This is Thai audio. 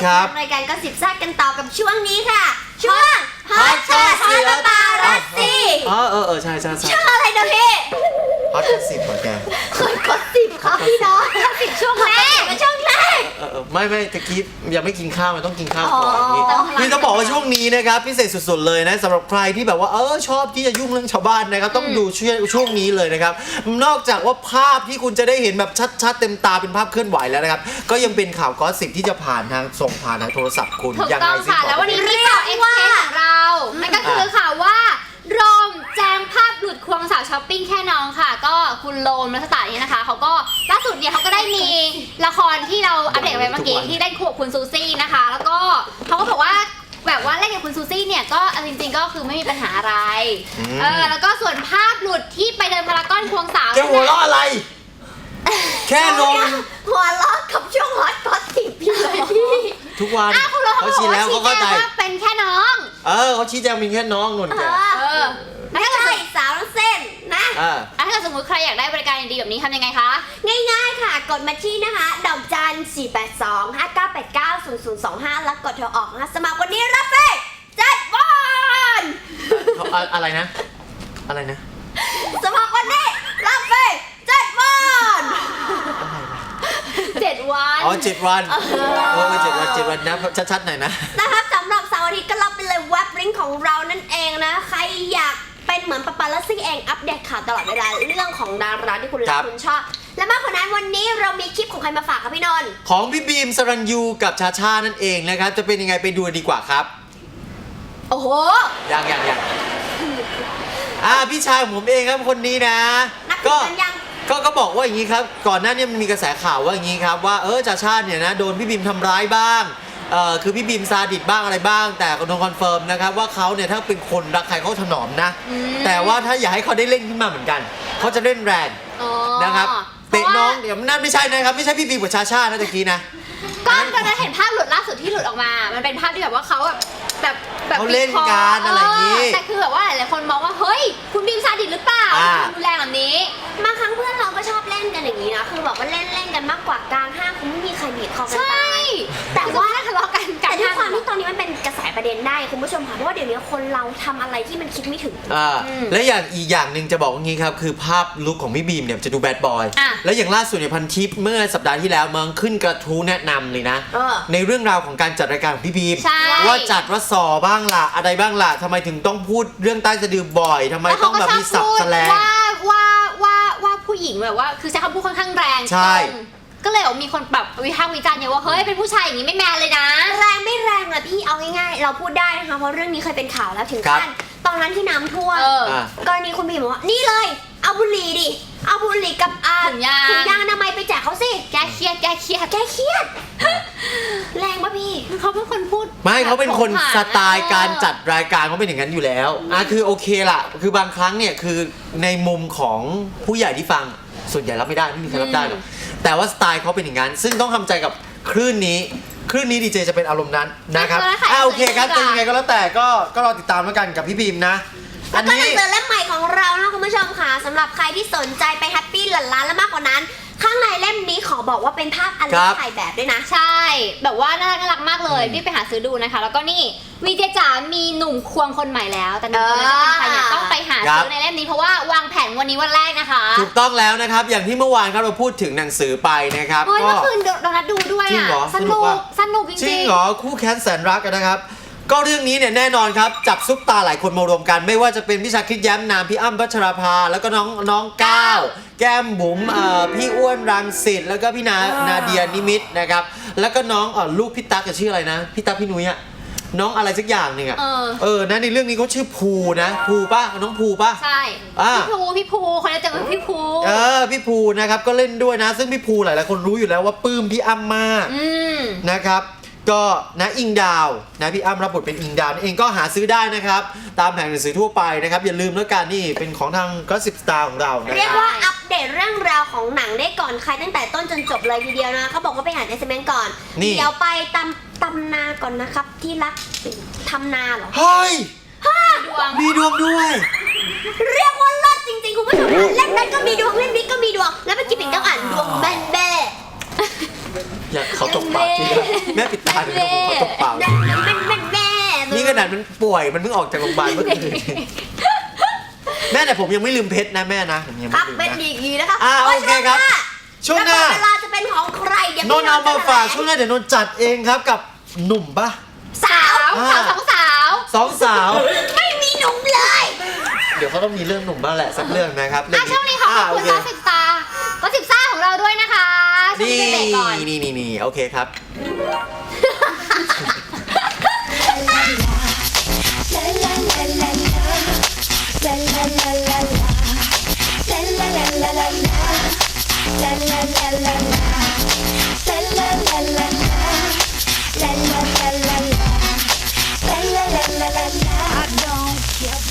ครับรายการก็สิบแซ่บกันต่อกับช่วงนี้ค่ะช่วงฮอตช็อตปาปารัสซี่ใช่ช่วงอะไรนะพี่ฮอต10เหรอแกกด10ครับพี่น้อง10ช่วงแรกช่วงแรกไม่ตะกี้ยังไม่กินข้าวมันต้องกินข้าวก่อนนี่คือต้องบอกว่าช่วงนี้นะครับพิเศษสุดๆเลยนะสำหรับใครที่แบบว่าชอบที่จะยุ่งเรื่องชาวบ้านนะครับต้องดูช่วงนี้เลยนะครับนอกจากว่าภาพที่คุณจะได้เห็นแบบชัดๆเต็มตาเป็นภาพเคลื่อนไหวแล้วนะครับก็ยังเป็นข่าวกอสซิปที่จะผ่านทางส่งผ่านทางโทรศัพท์คุณถูกต้องค่ะแล้ววันนี้มีข่าวเอ็กซ์เทสของเรานั่นก็คือข่าวว่าโรมแจ้งภาพหลุดควงสาวช้อปปิ้งแค่น้องค่ะก็คุณโรมรัชตาเนี่ยนะคะเขาก็ล่าสุดเนี่ยเขาก็ได้มีละครที่เราอัปเดตไปเมื่อกี้ที่เล่นคู่กับคุณซูซี่นะคะแล้วก็เขาก็บอกว่าแบบว่าเล่นกับคุณซูซี่เนี่ยก็จริงๆก็คือไม่มีปัญหาอะไรแล้วก็ส่วนภาพหลุดที่ไปเดินพารากอนควงสาวแกหัวเราะอะไรแค่นมหัวเราะกับช่วงฮอตก็สิบพี่เลยพี่ทุกวันเขาชี้แล้วเขาเข้าใจว่าเป็นแค่น้องเขาชี้แจงเป็นแค่น้องนุ่นแกไม่ใช่สาวเส้นนะถ้าเกิดสมมติใครอยากได้บริการดีๆแบบนี้ทำยังไงคะง่ายๆค่ะกดมาที่นะคะดอกจัน482-5989-0025แล้วกดโทรออกนะคะสมัครวันนี้รับฟรี7 วันอะไรนะสมัครวันนี้รับฟรี7 วัน 7 วัน 7 วัน7 วันนะชัดๆหน่อยนะครับสำหรับเสาร์อาทิตย์ก็รับไปเลยเว็บลิงก์ของเรานั่นเองนะใครอยากเป็นเหมือนปาปารัสซี่เองอัปเดตข่าวตลอดเวลาเรื่องของดาราที่คุณรักคุณชอบและมากกว่านั้นวันนี้เรามีคลิปของใครมาฝากครับพี่นนท์ของพี่บีมสรัญยูกับชาชานั่นเองนะครับจะเป็นยังไงไปดูดีกว่าครับโอ้โหยังพี่ชายผมเองครับคนนี้นะก็บอกว่าอย่างนี้ครับก่อนหน้านี้มันมีกระแสข่าวว่าอย่างนี้ครับว่าชาชาเนี่ยนะโดนพี่บีมทำร้ายบ้างคือพี่บีมซาดิสบ้างอะไรบ้างแต่โดนคอนเฟิร์มนะครับว่าเขาเนี่ยถ้าเป็นคนรักใครเขาถนอมนะแต่ว่าถ้าอยากให้เขาได้เล่นขึ้นมาเหมือนกันเขาจะเล่นแรงนะครับเตะน้องเดี๋ยวนั่นไม่ใช่นะครับไม่ใช่พี่บีมกับชาชานะตะกี้นะก็ตอนนั้นเห็นภาพหลุดล่าสุดที่หลุดออกมามันเป็นภาพที่แบบว่าเขาแบบเขาเล่นกันอะไรอย่างนี้แต่คือแบบว่าหลายๆคนมองว่าเฮ้ยคุณบีมซาดิสหรือเปล่าดูแรงแบบนี้บางครั้งเพื่อนเราก็ชอบเล่นกันอย่างนี้นะคือแบบว่าเล่นกันมากกว่ากลางห้างคงไม่มีใครบีบคอกันตายแต่ว่าทะเลาะกันแต่ด้วยความที่ตอนนี้มันเป็นกระแสประเด็นได้คุณผู้ชมค่ะเพราะว่าเดี๋ยวนี้คนเราทำอะไรที่มันคิดไม่ถึงและอีกอย่างหนึ่งจะบอกว่างี้ครับคือภาพลุคของพี่บีมเนี่ยจะดูแบดบอยและอย่างล่าสุดเนี่ยพันทิปเมื่อสัปดาห์ที่แล้วมันขึ้นกระทู้แนะนำเลยนะในเรื่องราวของการจัดรายการของพี่บีมว่าจัดว่าสอบ้างล่ะอะไรบ้างล่ะทำไมถึงต้องพูดเรื่องใต้สะดือบ่อยทำไมต้องแบบมีศัพท์แสลงว่าผู้หญิงแบบว่าคือใช้คำพูดค่อนข้างแรงใช่ก็เลยมีคนแบบวิพากษ์วิจารณ์เยอะว่าเฮ้ยเป็นผู้ชายอย่างนี้ไม่แมนเลยนะแรงไม่แรงนะพี่เอาง่ายๆเราพูดได้นะคะเพราะเรื่องนี้เคยเป็นข่าวแล้วถึงขั้นตอนนั้นที่น้ำท่วมกรณีคุณบีมบอกว่านี่เลยเอาบุหรี่ดิเอาบุหรี่กับถุงยางอนามัยไปแจกเขาสิแกเครียดแรงปะพี่เขาเป็นคนพูดไม่เขาเป็นคนสไตล์การจัดรายการเขาเป็นอย่างนั้นอยู่แล้วคือโอเคล่ะคือบางครั้งเนี่ยคือในมุมของผู้ใหญ่ที่ฟังส่วนใหญ่รับไม่ได้ไม่มีใครรับได้หรอกแต่ว่าสไตล์เขาเป็นอย่างนั้นซึ่งต้องทำใจกับคลื่นนี้ดีเจจะเป็นอารมณ์นั้นนะครับโอเคครับจะยังไงก็แล้วแต่ก็รอติดตามแล้วกันกับพี่บีมนะอันนี้เจอเล่มใหม่ของเรานะคุณผู้ชมค่ะสำหรับใครที่สนใจไปแฮปปี้หลั่นล้านและมากกว่านั้นข้างในเล่มนี้ขอบอกว่าเป็นภาพอันเล็กถ่ายแบบด้วยนะใช่แบบว่าน่ารักมากเลยรีบไปหาซื้อดูนะคะแล้วก็นี่วีเจจ๋ามีหนุ่มควงคนใหม่แล้วแต่หนุ่มคนนั้นจะเป็นใครเนี่ยต้องไปหาซื้อในเล่มนี้เพราะว่าวางแผนวันนี้วันแรกนะคะถูกต้องแล้วนะครับอย่างที่เมื่อวานครับเราพูดถึงหนังสือไปนะครับก็เมื่อคืนเรานัดดูด้วยอ่ะสนุกจริงเหรอคู่แค้นแสนรักนะครับก็เรื่องนี้เนี่ยแน่นอนครับจับซุปตาหลายคนมารวมกันไม่ว่าจะเป็นพี่ชาคริตแย้มนามพี่อ้ำพัชราภาแล้วก็น้องก้าวแก้มบุ๋มพี่อ้วนรังสิตแล้วก็พี่นาเดียนิมิตนะครับแล้วก็น้องลูกพี่ตั๊กชื่ออะไรนะพี่ตั๊กพี่นุ้ยอะน้องอะไรสักอย่างหนึ่งอะนะในเรื่องนี้เขาชื่อภูนะภูป่ะน้องภูป่ะใช่พี่ภูคนนี้จะเป็นพี่ภูพี่ภูนะครับก็เล่นด้วยนะซึ่งพี่ภูหลายๆคนรู้อยู่แล้วว่าปลื้มพี่อ้ำมากนะครับก็นะอิงดาวนะพี่อ้ำรับบทเป็นอิงดาวเองก็หาซื้อได้นะครับตามแผงหนังสือทั่วไปนะครับอย่าลืมแล้วกันนี่เป็นของทางก็10 สตาร์ของเราเรียกว่าอัปเดตเรื่องราวของหนังได้ก่อนใครตั้งแต่ต้นจนจบเลยทีเดียวนะเขาบอกว่าไปหาเจสเมนก่อนเดี๋ยวไปตำนาก่อนนะครับที่รักทำนาเหรอเฮ้ยมีดวงด้วยเรียกว่าเลิศจริงๆคุณผู้ชมเล่นนั้นก็มีดวงเล่นนี้ก็มีดวงแล้วเมื่อกี้ปิ่นต้องอ่านดวงแบนอยากเขาตบปากทีนะแม่ปิดตาเลยนะผมเขาตบปากแม่นี่ขนาดมันป่วยมันเพิ่งออกจากโรงพยาบาลเมื่อคืนแม่แต่ผมยังไม่ลืมเพชรนะแม่นะผมยังคไม่รับลืมเป็นนะดีกีนะคะโอเคครับช่วงหน้าเวลาจะเป็นของใครเดี๋ยวนนท์เอามาฝากช่วงหน้าเดี๋ยวนนท์จัดเองครับกับหนุ่มปะสาวสองสาวสองสาวไม่มีหนุ่มเลยเดี๋ยวเขาต้องมีเรื่องหนุ่มบ้างแหละสักเรื่องนะครับช่วงนี้ขอบคุณโก็สิบตาของเราด้วยนะคะช่วงนี่นี้เบรกก่อนนี่โอเคครับ